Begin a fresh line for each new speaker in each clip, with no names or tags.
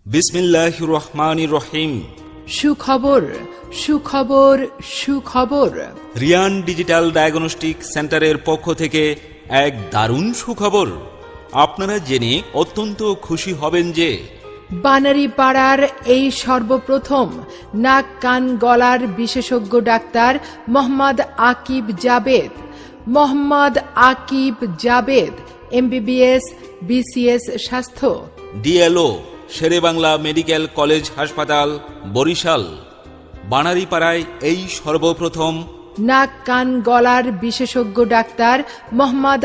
বিসমিল্লাহির রহমানির রহিম।
সুখবর সুখবর সুখবর।
রিয়ান ডিজিটাল ডায়াগনস্টিক সেন্টারের পক্ষ থেকে এক দারুণ সুখবর। আপনারা জেনে অত্যন্ত খুশি হবেন যে
বানারীপাড়ার এই সর্বপ্রথম নাক কান গলার বিশেষজ্ঞ doctor Mohammad Akib Javed MBBS BCS স্বাস্থ্য,
ডিএলও শেরেবাংলা মেডিকেল কলেজ হাসপাতাল বরিশাল। বানারীপাড়ায় এই সর্বপ্রথম
নাক কান গলার বিশেষজ্ঞ doctor Mohammad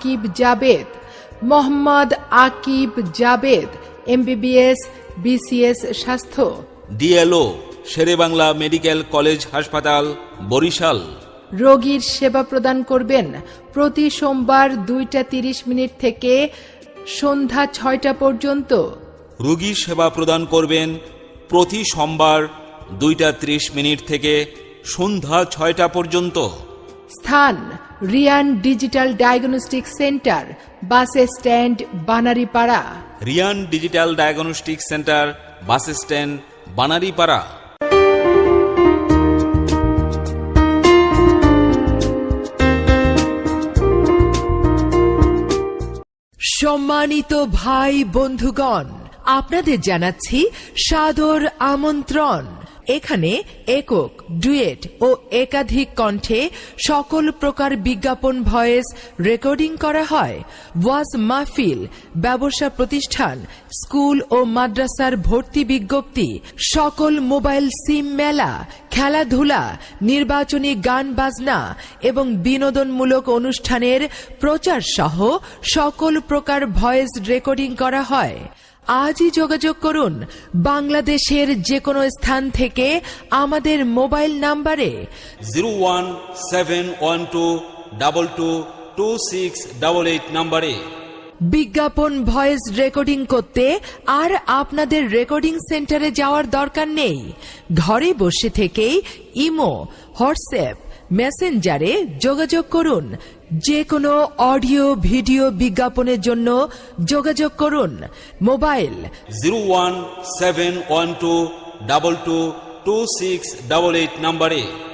Akib Javed MBBS BCS স্বাস্থ্য,
ডিএলও শেরেবাংলা মেডিকেল কলেজ হাসপাতাল বরিশাল।
রোগীর সেবা প্রদান করবেন প্রতি সোমবার 2:30 থেকে সন্ধ্যা 6টা পর্যন্ত।
রোগী সেবা প্রদান করবেন প্রতি সোমবার 2:30 থেকে সন্ধ্যা 6টা পর্যন্ত।
স্থান Riyan digital diagnostic centre, bus stand, Banaripara.
Riyan digital diagnostic centre, bus stand, Banaripara.
সম্মানিত ভাই বন্ধুগণ, আপনাদের জানাচ্ছি সাদর আমন্ত্রণ। এখানে একক, ডুয়েট ও একাধিক কণ্ঠে সকল প্রকার বিজ্ঞাপন ভয়েস রেকর্ডিং করা হয়। ওয়াজ মাহফিল, ব্যবসা প্রতিষ্ঠান, স্কুল ও মাদ্রাসার ভর্তি বিজ্ঞপ্তি, সকল মোবাইল সিম মেলা, খেলাধুলা, নির্বাচনী গান বাজনা এবং বিনোদনমূলক অনুষ্ঠানের প্রচার সহ সকল প্রকার ভয়েস রেকর্ডিং করা হয়। আজই যোগাযোগ করুন বাংলাদেশের যে কোনো স্থান থেকে আমাদের মোবাইল নাম্বারে
01712222688 নম্বরে।
বিজ্ঞাপন ভয়েস রেকর্ডিং করতে আর আপনাদের রেকর্ডিং সেন্টারে যাওয়ার দরকার নেই। ঘরে বসে থেকেই ইমো, হোয়াটসঅ্যাপ, মেসেঞ্জারে যোগাযোগ করুন। যে কোনো অডিও ভিডিও বিজ্ঞাপনের জন্য যোগাযোগ করুন মোবাইল
01712222688 নম্বরে।